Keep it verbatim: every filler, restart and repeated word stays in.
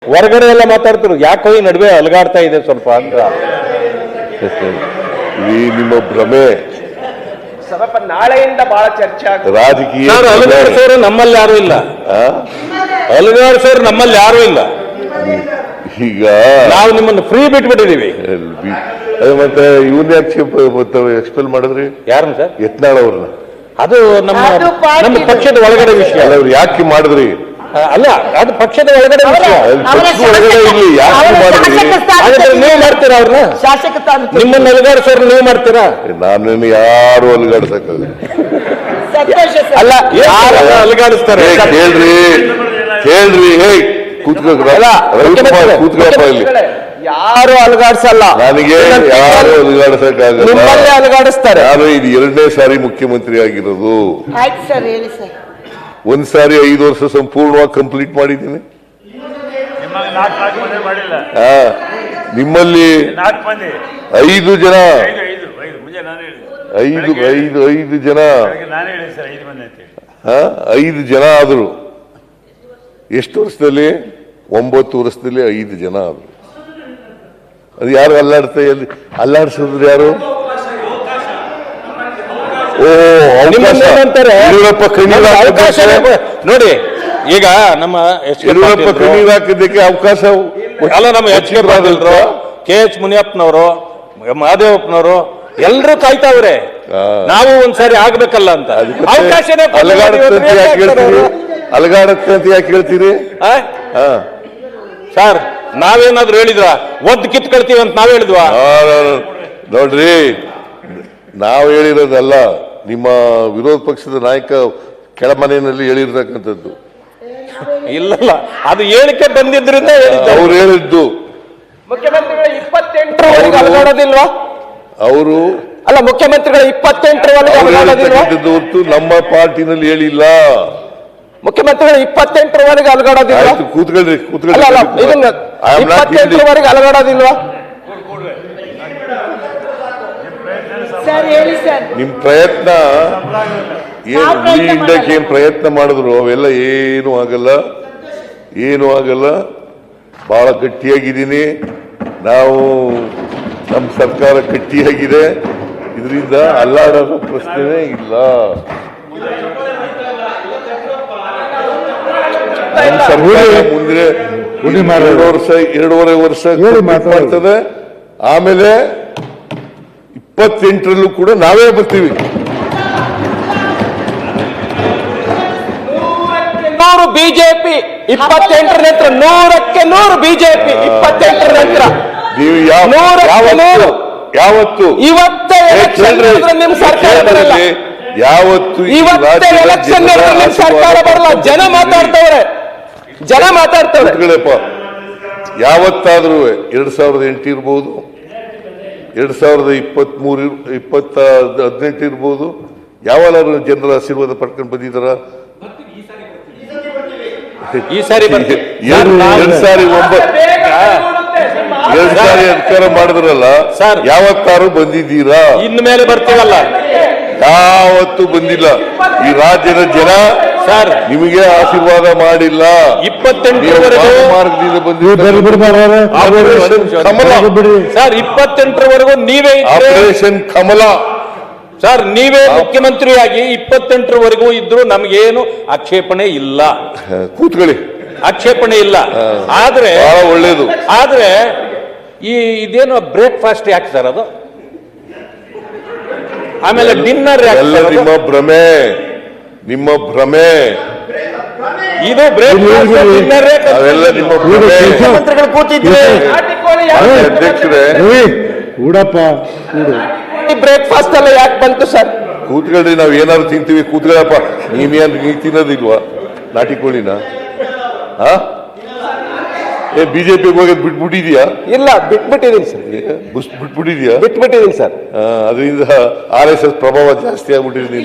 ಹೊರಗಡೆ ಎಲ್ಲ ಮಾತಾಡ್ತಿರು ಯಾಕೋ ಈ ನಡುವೆ ಅಲಗಾಡ್ತಾ ಇದೆ ಸ್ವಲ್ಪ ಅಂತ ಈ ನಿಮ್ಮ ಭ್ರಮೆ ಸ್ವಲ್ಪ ನಾಳೆಯಿಂದ ಬಹಳ ಚರ್ಚೆ ಆಗ್ತದೆ. ರಾಜಕೀಯ ಅಲಗಾಡಿಸೋರು ನಮ್ಮಲ್ಲಿ ಯಾರು ಇಲ್ಲ, ಅಲಗಾಡಿಸೋರು ನಮ್ಮಲ್ಲಿ ಯಾರು ಇಲ್ಲ. ಈಗ ನಾವು ನಿಮ್ಮನ್ನು ಫ್ರೀ ಬಿಟ್ಬಿಟ್ಟಿದೀವಿ. ಅದೇ ಮತ್ತೆ ಇವನ್ ಯಾಕೆ ಎಕ್ಸ್ಪೆಲ್ ಮಾಡಿದ್ರಿ? ಯಾರನ್ನ ಸರ್? ಯತ್ನಾಳ್ ಅವ್ರನ್ನ. ಅದು ನಮ್ಮ ನಮ್ಮ ಪಕ್ಷದ ಒಳಗಡೆ ವಿಷಯ. ಅವ್ರು ಯಾಕೆ ಮಾಡಿದ್ರಿ? ಅಲ್ಲ, ಅದು ಪಕ್ಷದ ಒಳಗಡೆ ವಿಷಯ. ಒಳಗಡೆ ಇಲ್ಲಿ ಯಾಕೆ ಮಾಡಿದ್ರಿ? ಹಾಗಾದ್ರೆ ನೀವು ಮಾಡ್ತೀರಾ ಅವ್ರನ್ನ? ಶಾಸಕ ನಿಮ್ಮನ್ನ ಅಲಗಾಡಿಸೋರು ನೀವು ಮಾಡ್ತೀರಾ? ನಾನು ಯಾರು ಅಲಗಾಡ್ಸಕ್ಕಾಗ ಅಲ್ಲ, ಯಾರು ಅಲಗಾಡಿಸ್ತಾರೆ? ಕೇಳ್ರಿ ಕೇಳ್ರಿ ಹೇ ಕೂತ್ಕೋಲ್ಲ ಕೂತ್ಕೊಳಪ್ಪ ಇಲ್ಲಿ. ಯಾರು ಅಲಗಾಡಿಸಲ್ಲ, ನನಗೆ ಯಾರು ಅಲಗಾಡ್ಸಕ್ಕಾಗಲ್ಲ. ನಿಮ್ಮಲ್ಲೇ ಅಲಗಾಡಿಸ್ತಾರೆ. ನಾನು ಇದು ಎರಡನೇ ಸಾರಿ ಮುಖ್ಯಮಂತ್ರಿ ಆಗಿರೋದು. ಆಯ್ತು ಸರ್, ಹೇಳಿ ಸರ್. ಒಂದ್ ಸಾರಿ ಐದು ವರ್ಷ ಸಂಪೂರ್ಣವಾಗಿ ಕಂಪ್ಲೀಟ್ ಮಾಡಿದ್ದೀನಿ. ಹಾ, ನಿಮ್ಮಲ್ಲಿ ಐದು ಜನ ಐದು ಐದು ಐದು ಜನ ಹಾ ಐದು ಜನ ಆದ್ರು. ಎಷ್ಟು ವರ್ಷದಲ್ಲಿ? ಒಂಬತ್ತು ವರ್ಷದಲ್ಲಿ ಐದು ಜನ ಆದ್ರು. ಅದು ಯಾರು ಅಲ್ಲಾಡ್ತಾ ಎಲ್ಲಿ ಅಲ್ಲಾಡ್ಸಿದ್ರು? ಯಾರು? ಓ, ಯಡಿಯೂರಪ್ಪ ಕಣ್ಣೀರು ಅವಕಾಶ ನೋಡಿ. ಈಗ ನಮ್ಮ ಯಡಿಯೂರಪ್ಪ ಕಣ್ಣೀರು ಹಾಕಿದ್ದಕ್ಕೆ ಅವಕಾಶ ಅಲ್ಲ, ನಮ್ಮ ಎಚ್ ಕೆ ಪಾಟೀಲ್ರು, ಕೆ ಎಚ್ ಮುನಿಯಪ್ಪನವರು, ಮಹದೇವಪ್ಪನವರು ಎಲ್ಲರೂ ಕಾಯ್ತಾವ್ರೆ. ನಾವು ಒಂದ್ಸಾರಿ ಆಗ್ಬೇಕಲ್ಲ ಅಂತ. ಅವಕಾಶನೇ ಅಲಗಾಡತ್ತೆ ಯಾಕೆ ಹೇಳ್ತೀರಿ? ಅಲಗಾಡತ್ತೆ ಅಂತ ಯಾಕೆ ಹೇಳ್ತೀರಿ? ಸರ್, ನಾವೇನಾದ್ರು ಹೇಳಿದ್ವ? ಒದ್ದು ಕಿತ್ಕೊಳ್ತೀವಿ ಅಂತ ನಾವ್ ಹೇಳಿದ್ವಾ? ನೋಡ್ರಿ, ನಾವು ಹೇಳಿರೋದಲ್ಲ, ನಿಮ್ಮ ವಿರೋಧ ಪಕ್ಷದ ನಾಯಕ ಕೆಳಮನೆಯಲ್ಲಿ ಹೇಳಿರ್ತಕ್ಕಂಥದ್ದು. ಇಲ್ಲಲ್ಲ, ಅದು ಹೇಳಿಕೆ ಬಂದಿದ್ರಿಂದ ಅವ್ರು ಹೇಳಿದ್ದು. ಮುಖ್ಯಮಂತ್ರಿಗಳ ಇಪ್ಪತ್ತೆಂಟರವರೆಗೆ ಅಲಗಾಡೋದಿಲ್ವಾ? ಅವರು ಅಲ್ಲ, ಮುಖ್ಯಮಂತ್ರಿಗಳ ಇಪ್ಪತ್ತೆಂಟರವರೆಗೆ ಅಲಗಾಡೋದಿಲ್ವಾ? ಹೊರತು ನಮ್ಮ ಪಾರ್ಟಿನಲ್ಲಿ ಹೇಳಿಲ್ಲ. ಮುಖ್ಯಮಂತ್ರಿಗಳು ಇಪ್ಪತ್ತೆಂಟರವರೆಗೆ ಅಲಗಾಡೋದಿಲ್ವಾ? ಕೂತ್ಕೊಳ್ರಿ ಕೂತ್ಕೊಳ್ರಿ ಇಪ್ಪತ್ತೆಂಟರವರೆಗೆ ಅಲಗಾಡೋದಿಲ್ವಾ? ಸರ್ ಹೇಳಿ ಸರ್. ನಿಮ್ ಪ್ರಯತ್ನ ಇಂಡಕ್ಕೆ ಏನ್ ಪ್ರಯತ್ನ ಮಾಡಿದ್ರು ಅವೆಲ್ಲ ಏನು ಆಗಲ್ಲ, ಏನು ಆಗಲ್ಲ. ಬಹಳ ಗಟ್ಟಿಯಾಗಿದ್ದೀನಿ ನಾವು. ನಮ್ಮ ಸರ್ಕಾರ ಗಟ್ಟಿಯಾಗಿದೆ. ಇದರಿಂದ ಅಲ್ಲಾಡೋ ಪ್ರಶ್ನೆನೇ ಇಲ್ಲ. ನಮ್ಮ ಸರ್ಕಾರ ಮುಂದೆ ಎರಡು ವರ್ಷ ಎರಡೂವರೆ ವರ್ಷ ಮಾಡ್ತದೆ. ಆಮೇಲೆ ಇಪ್ಪತ್ತೆಂಟರಲ್ಲೂ ಕೂಡ ನಾವೇ ಬರ್ತೀವಿ. ನೂರು ಬಿಜೆಪಿ, ಇಪ್ಪತ್ತೆಂಟರ ನಂತರ ನೂರಕ್ಕೆ ನೂರು ಬಿಜೆಪಿ, ಇಪ್ಪತ್ತೆಂಟರ ನಂತರ ನೀವು ಯಾವತ್ತು ಯಾವತ್ತು ಇವತ್ತೇ ಎಲೆಕ್ಷನ್ ನಿಮ್ ಸರ್ಕಾರ ಬರಲ್ಲ. ಯಾವತ್ತು ಇವತ್ತೇ ಎಲೆಕ್ಷನ್ ನಿಮ್ ಸರ್ಕಾರ ಬರಲ್ಲ. ಜನ ಮಾತಾಡ್ತವ್ರೆ, ಜನ ಮಾತಾಡ್ತವ್ರೆ. ಯಾವತ್ತಾದ್ರೂ ಎರಡ್ ಸಾವಿರದ ಎಂಟು ಇರ್ಬೋದು, ಎರಡ್ ಸಾವಿರದ ಇಪ್ಪತ್ತ್ ಮೂರು ಇಪ್ಪತ್ತ ಹದಿನೆಂಟು ಇರ್ಬೋದು, ಯಾವಾಗಾದ್ರೂ ಜನರ ಆಶೀರ್ವಾದ ಪಡ್ಕೊಂಡು ಬಂದಿದ್ದಾರ? ಈ ಸಾರಿ ಎರಡ್ ಸಾರಿ ಒಂಬತ್ತು ಎರಡ್ ಸಾರಿ ಅಧಿಕಾರ ಮಾಡಿದ್ರಲ್ಲ ಸರ್, ಯಾವತ್ತಾರು ಬಂದಿದ್ದೀರಾ? ಇನ್ನು ಮೇಲೆ ಬರ್ತೀವಲ್ಲ. ಯಾವತ್ತು ಬಂದಿಲ್ಲ. ಈ ರಾಜ್ಯದ ಜನ ಸರ್ ನಿಮಗೆ ಆಶೀರ್ವಾದ ಮಾಡಿಲ್ಲ. ಇಪ್ಪತ್ತೆಂಟರವರೆಗೂ ಮಾರ್ಗದಿಂದ ಬಂದಿದ್ದೀರಾ. ಸರ್, ಇಪ್ಪತ್ತೆಂಟರವರೆಗೂ ನೀವೇ ಆಪರೇಷನ್ ಕಮಲ ಸರ್, ನೀವೇ ಮುಖ್ಯಮಂತ್ರಿಯಾಗಿ ಇಪ್ಪತ್ತೆಂಟರವರೆಗೂ ಇದ್ರು ನಮ್ಗೇನು ಆಕ್ಷೇಪಣೆ ಇಲ್ಲ. ಕೂತ್ಕೊಳ್ಳಿ, ಆಕ್ಷೇಪಣೆ ಇಲ್ಲ. ಆದ್ರೆ ಬಹಳ ಒಳ್ಳೇದು. ಆದ್ರೆ ಈ ಇದೇನು ಬ್ರೇಕ್ಫಾಸ್ಟ್ ಯಾಕೆ ಸರ್ ಅದು? ಆಮೇಲೆ ಡಿನ್ನರ್ ಎಲ್ಲ ನಿಮ್ಮ ಭ್ರಮೆ, ನಿಮ್ಮ ಭ್ರಮೆ. ಇದು ಬ್ರೇಕ್ಫಾಸ್ಟ್ ಡಿನ್ನರ್ ಅವೆಲ್ಲ ನಿಮ್ಮ ಭ್ರಮೆ. ಮುಖ್ಯಮಂತ್ರಿಗಳು ಕೂತಿದ್ರೆ ಅಧ್ಯಕ್ಷರೇ, ಬ್ರೇಕ್ಫಾಸ್ಟ್ ಎಲ್ಲ ಯಾಕೆ ಬಂತು ಸರ್? ಕೂತ್ಕೊಳ್ರಿ, ನಾವ್ ಏನಾದ್ರು ತಿಂತೀವಿ. ಕೂತ್ಕೊಳ್ಳಪ್ಪ. ನೀವೇನ್ ನೀ ತಿನ್ನೋದಿಲ್ವಾ ನಾಟಿ ಕೋಳಿನ? ಹಾ, ಏ ಬಿಜೆಪಿಗೆ ಹೋಗೋದು ಬಿಟ್ಬಿಟ್ಟಿದ್ಯಾ? ಇಲ್ಲ, ಬಿಟ್ಬಿಟ್ಟಿದ್ದೀನಿ ಸರ್. ಬಿಟ್ಬಿಟ್ಟಿದ್ಯಾ? ಬಿಟ್ಬಿಟ್ಟಿದ್ದೀನಿ ಸರ್. ಅದರಿಂದ ಆರ್ ಎಸ್ ಎಸ್ ಪ್ರಭಾವ ಜಾಸ್ತಿ ಆಗ್ಬಿಟ್ಟಿದೆ.